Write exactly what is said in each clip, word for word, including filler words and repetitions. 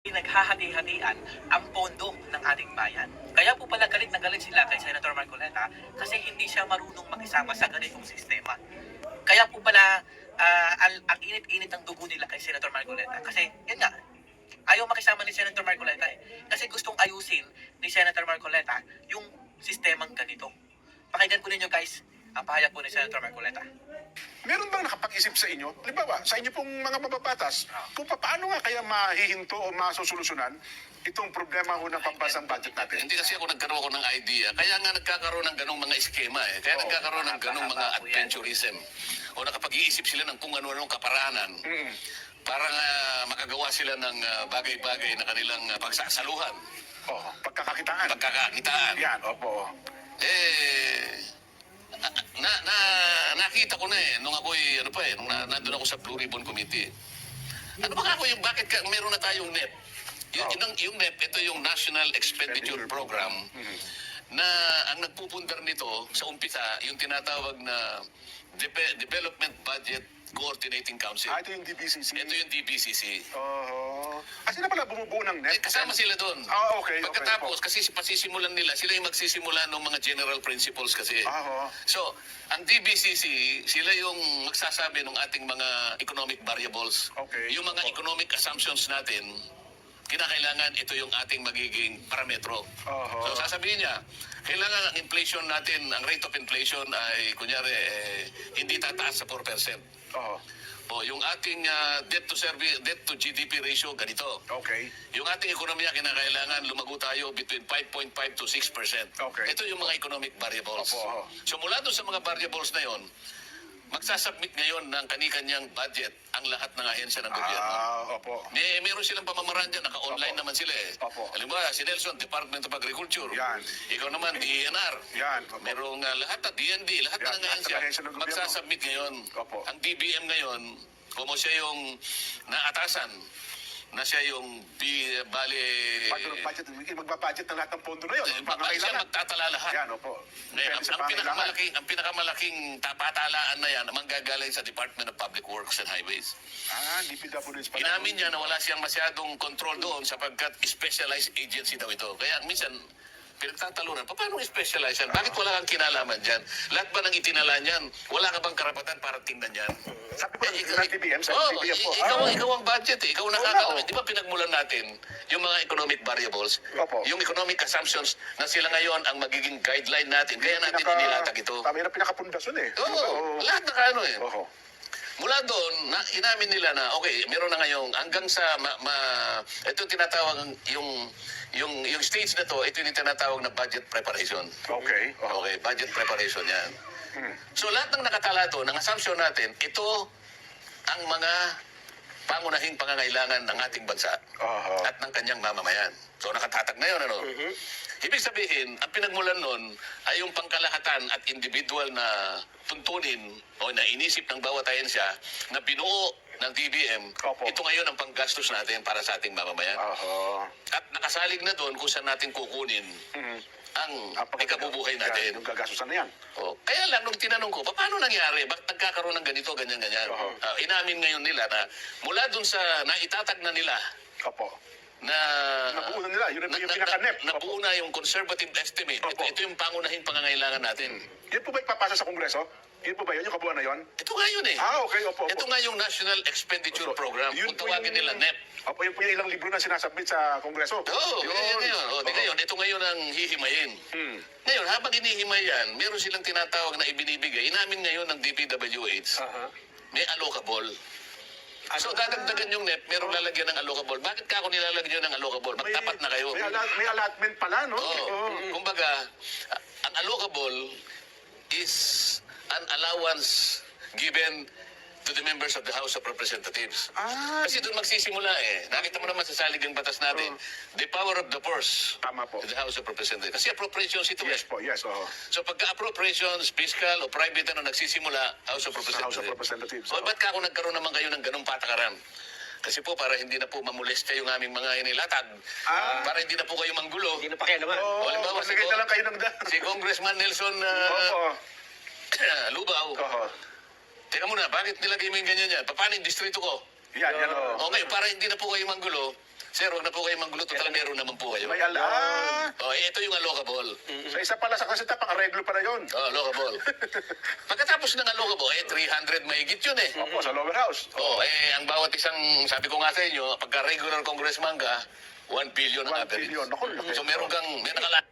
Pinaghahati-hatian ang pondo ng ating bayan. Kaya po pala galit na galit sila kay Senator Marcoleta kasi hindi siya marunong makisama sa ganitong sistema. Kaya po pala ah, al- ang init-init ng dugo nila kay Senator Marcoleta kasi yun nga, ayaw makisama ni Senator Marcoleta eh. Kasi gustong ayusin ni Senator Marcoleta yung sistemang ganito. Pakinggan po ninyo guys ang pahayag po ni Senator Marcoleta. Meron bang nakapag-isip sa inyo, halimbawa, sa inyo pong mga mababatas, kung paano nga kaya mahihinto o masosolusyonan itong problema ho ng pambansang budget natin? Hindi kasi ako nagkaroon ako ng idea. Kaya nga nagkakaroon ng ganong mga eskema eh. Kaya Oo, nagkakaroon ng ganong mga mahaba po yan. adventurism. O nakapag-iisip sila ng kung ano-anong kaparaanan. Mm. Para nga makagawa sila ng ah, bagay-bagay na kanilang ah, pagsasaluhan. Oh, pagkakakitaan. Pagkakakitaan. Yan, opo. Eh, na, na, nakita ko na eh, nung ako'y, ano pa eh, nung na, nandun ako sa Blue Ribbon Committee. Ano ba ako yung, bakit ka, meron na tayong N E P? Yung, Oh. yung, yung N E P, ito yung National Expenditure Program, Mhm. na ang nagpupundar nito sa umpisa, yung tinatawag na Dep- Development Budget Coordinating Council. Ah, ito yung D B C C. Ito yung D B C C. Oo. Ah, sila pala bumubuo ng Eh, net? kasama sila doon. Ah, okay, okay Pagkatapos, po. kasi pasisimulan nila, sila yung magsisimula ng mga general principles kasi. Ah, oo. So, ang D B C C, sila yung magsasabi ng ating mga economic variables. Okay. Yung mga Opo. economic assumptions natin, kinakailangan ito yung ating magiging parametro. Oho. So, sasabihin niya, kailangan ang inflation natin, ang rate of inflation ay, kunyari, eh, hindi tataas sa four percent. Oo. O, yung ating ah, debt to service, debt to G D P ratio, ganito. Okay. Yung ating ekonomiya, kinakailangan lumago tayo between five point five to six percent. Okay. Ito yung mga economic variables. Opo, oo. So mula doon sa mga variables na yon, magsasubmit ngayon ng kani-kanyang budget ang lahat ng ahensya ng gobyerno. Ah, opo. May meron silang pamamaraan dyan, naka-online Opo. naman sila eh. Opo. Halimbawa, si Nelson, Department of Agriculture. Yan. Ikaw naman, D E N R. Yan, opo. Merong ah, lahat na D N D, lahat Yan, ng lahat ng ahensya. ahensya ng gobyerno. Magsasubmit ngayon. Opo. Ang D B M ngayon, kung siya yung naatasan, na siya yung bi, bali... Pag budget, magbabudget ng lahat ng pondo na yun. Eh, Ang pa- siya pangangailangan. magtatala lahat. Yan, opo. Ngayon, Depende ang, sa ang, pangangailangan. pinakamalaking, ang pinakamalaking tapatalaan na yan, ang manggagaling sa Department of Public Works and Highways. Ah, D P W S pala. Inamin niya na wala siyang masyadong control doon sapagkat specialized agency daw ito. Kaya minsan, pinagtatalunan, pa- paano specialized yan? Bakit wala kang kinalaman dyan? Lahat ba ng itinala niyan? Wala ka bang karapatan para tingnan yan? Sabi ko, Eh, ng D B M, sa Oo, D B M po. i- ikaw, Ah, ikaw ang budget eh. Ikaw ang Oo nakakaalam. nga, oh. Di ba pinagmulan natin yung mga economic variables? Opo. Yung economic assumptions na sila ngayon ang magiging guideline natin. Kaya natin pinaka- inilatag ito. Tama yun ang pinakapundasyon eh. Oo, Oo. lahat na kaano eh. Oo. Mula doon, na, inamin nila na, okay, meron na ngayong, hanggang sa, ma, ma, ito yung tinatawag, yung, yung, yung stage na to, ito yung tinatawag na budget preparation. Okay. Oo. Okay, budget preparation yan. Hmm. So lahat ng nakatala doon, ang assumption natin, ito ang mga pangunahing pangangailangan ng ating bansa Aha. at ng kanyang mamamayan. So nakatatag na yun, ano? Ibig sabihin, ang pinagmulan nun ay yung pangkalahatan at individual na tuntunin o na inisip ng bawat ahensya na binuo ng D B M, Opo. ito ngayon ang panggastos natin para sa ating mamamayan. Aha. At nakasalig na doon kung saan natin kukunin Mhm. ang Ah, pag- ikabubuhay Yan, natin. yung gagastusan na yan. Oh, kaya lang, nung tinanong ko, "Pa- paano nangyari? Bakit nagkakaroon ng ganito, ganyan-ganyan? Oo. Ah, inamin ngayon nila na mula dun sa naitatag na nila Opo. na... Nabuo na nila. Yun ang yung pinaka-N E P. Nabuo na yung conservative estimate. Ito, Opo. ito yung pangunahing pangangailangan natin. Yun po ba ipapasa sa Kongreso? Yun po ba yun? Yung kabuuan na yun? Ito nga yun eh. Ah, okay. Opo, opo. Ito nga yung National Expenditure So, Program. yun Kung po tawagin yung- nila N E P. Opo, yun po yung ilang libro na sinasubmit sa Kongreso. Oo, Yun. ganyan ngayon. Oh, di Oo. ngayon, ito ngayon ang hihimayin. Hmm. Ngayon, habang hinihimay yan, meron silang tinatawag na ibinibigay. Inamin ngayon ng D P W H, Aha. may allocable. So dadagdagan yung net, merong lalagyan ng allocable. Bakit ka ako nilalagyan ng allocable? May- Magtapat na kayo. May, ala- may allotment pala, no? Oo. Oo. Kumbaga, a- ang allocable is an allowance given to the members of the House of Representatives. Ah, Kasi doon magsisimula eh. Nakita mo naman sa saligang batas natin, the power of the purse tama po. to the House of Representatives. Kasi appropriations ito Yes eh. po, yes. Oo. So pagka appropriations, fiscal o private na nagsisimula, House of Sa House Representatives. of Representatives. O ba't ka ako nagkaroon naman kayo ng ganong patakaran? Kasi po para hindi na po mamulestya yung aming mga inilatag. Ah. Para hindi na po kayo manggulo. Hindi na pakialaman. Oo, halimbawa, si magbigay Ko- na lang kayo ng da. Si Congressman Nelson Opo. uh, Lubaw. Oo. Teka muna, bakit nilagay mo yung ganyan yan? Paano yung distrito ko? Yan, yan. Oo. Okay, para hindi na po kayo manggulo, Sir, huwag na po kayo manggulo. Total, meron naman po kayo. May ala. Oh, eh, ito yung allocable. Sa isa pala sa kasita, pang-areglo pa na yun. Oh, allocable. Pagkatapos ng allocable, eh, three hundred mahigit yun eh. Opo, sa lower house. Oh, eh, ang bawat isang, sabi ko nga sa inyo, pagka regular congressman ka, one billion ang One average. billion. Naku, laki. So meron kang, may nakalaan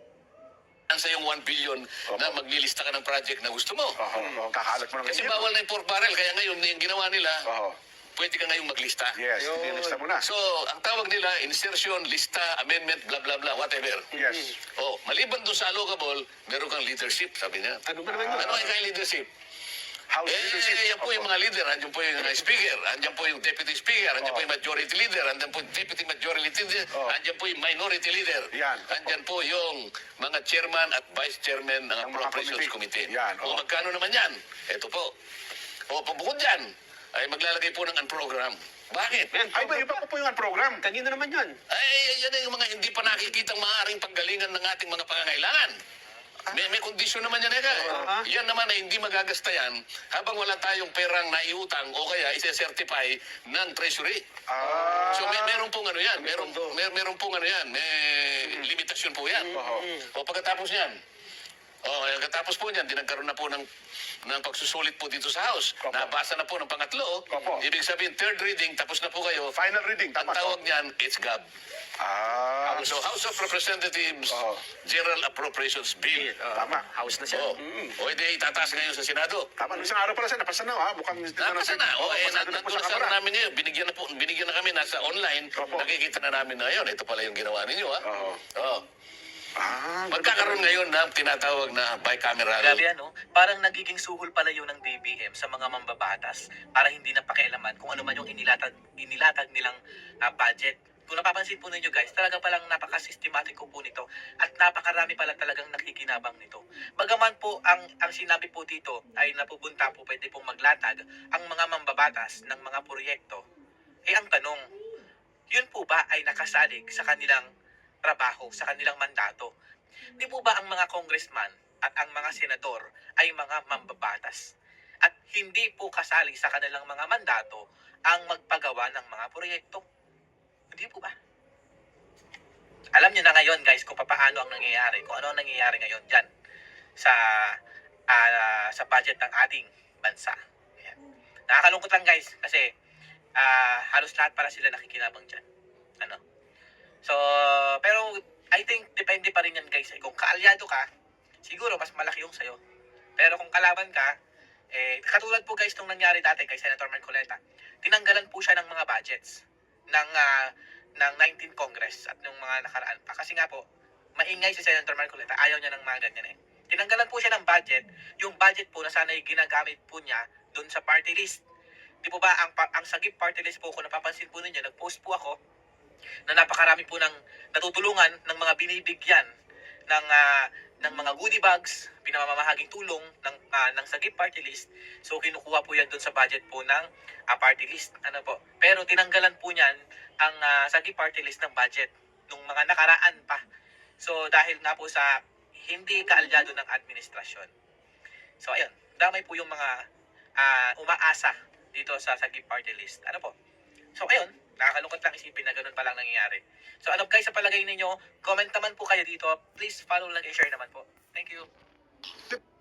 sa yung one billion na maglilista ka ng project na gusto mo. Oo, oo, kakalat mo ng Kasi ganyan. bawal na yung pork barrel, kaya ngayon, yung ginawa nila, Oo. pwede ka ngayong maglista. Yes, nilista mo na. So, ang tawag nila, insertion, lista, amendment, blah, blah, blah, whatever. Yes. Oh, maliban doon sa allocable, meron kang leadership, sabi niya. Ano ba naman yun? Ano ang kaya leadership? House leadership. Eh, yan po yung mga leader. Andiyan po yung uh, speaker. Andiyan po yung deputy speaker. Andiyan po yung majority leader. Andiyan po yung deputy majority leader. Oh. Andiyan po yung minority leader. Yan. Andiyan po yung mga chairman at vice chairman ng Ng mga appropriations committee. committee. Yan, O oh. magkano naman yan? Ito po. O pabukod dyan, ay maglalagay po ng program. Bakit? Yan, Ay, ba, iba pa po yung program. kanina naman yan. Ay, yan yung mga hindi pa nakikitang maaaring panggalingan ng ating mga pangangailangan. May, may kondisyon naman yan, Eka. Ah. Yan naman ay hindi magagasta yan habang wala tayong perang naiutang o kaya isa-certify ng treasury. Ah. So may meron pong ano yan, meron, pondo. mer, meron pong ano yan, may limitasyon po yan. Oo. O pagkatapos yan, o pagkatapos po niyan, dinagkaroon na po ng, ng pagsusulit po dito sa House. Opo. Nabasa na po ng pangatlo. Opo. Ibig sabihin, third reading, tapos na po kayo. Final reading, Ang tama. tawag niyan, it's G A B. Ah. So House of Representatives Oo. General Appropriations Bill. Ah, Tama. House na siya. Oh. O hindi itataas ngayon sa Senado. Tama, nung isang araw pala siya, napasa na, ha? Mukhang... Napasa na. O eh, napasa na po nandun sa na sa kamara. namin ngayon. Binigyan na, po, binigyan na kami nasa online. Opo. Nakikita na namin na yun. Ito pala yung ginawa ninyo, ha? Oo. Oo. Ah, Magkakaroon ngayon ng tinatawag na bicameral. Grabe ano, parang nagiging suhol pala yun ng D B M sa mga mambabatas para hindi na pakialaman kung ano man yung inilatag, inilatag nilang ah, budget. Kung napapansin po ninyo guys, talaga palang napaka-systematic po nito at napakarami pala talagang nakikinabang nito. Bagaman po ang, ang sinabi po dito ay napupunta po pwede pong maglatag ang mga mambabatas ng mga proyekto. Eh ang tanong, yun po ba ay nakasalig sa kanilang trabaho, sa kanilang mandato? Di po ba ang mga congressman at ang mga senador ay mga mambabatas? At hindi po kasali sa kanilang mga mandato ang magpagawa ng mga proyekto? Hindi po ba? Alam niyo na ngayon guys kung paano ang nangyayari, kung ano ang nangyayari ngayon dyan sa, ah, sa budget ng ating bansa. Ayan. Nakakalungkot lang guys kasi ah, halos lahat para sila nakikinabang dyan. Ano? So, pero I think depende pa rin yan guys. Eh, kung kaalyado ka, siguro mas malaki yung sayo. Pero kung kalaban ka, eh, katulad po guys nung nangyari dati kay Senator Marcoleta, tinanggalan po siya ng mga budgets ng ah, ng nineteenth Congress at nung mga nakaraan pa. Kasi nga po, maingay si Senator Marcoleta, ayaw niya ng mga ganyan eh. Tinanggalan po siya ng budget, yung budget po na sana'y ginagamit po niya doon sa party list. Di po ba, ang, pa- ang sagip party list po, kung napapansin po ninyo, nag-post po ako na napakarami po ng natutulungan ng mga binibigyan ng ah, ng mga goodie bags, pinamamahaging tulong ng ah, ng sagip party list. So kinukuha po yan doon sa budget po ng ah, party list. Ano po? Pero tinanggalan po niyan ang ah, sagip party list ng budget nung mga nakaraan pa. So dahil nga po sa hindi kaalyado ng administrasyon. So ayun, damay po yung mga ah, umaasa dito sa sagip party list. Ano po? So ayun, nakakalungkot lang isipin na ganun palang nangyayari. So ano guys, sa palagay ninyo, comment naman po kayo dito. Please follow, like, and share naman po. Thank you.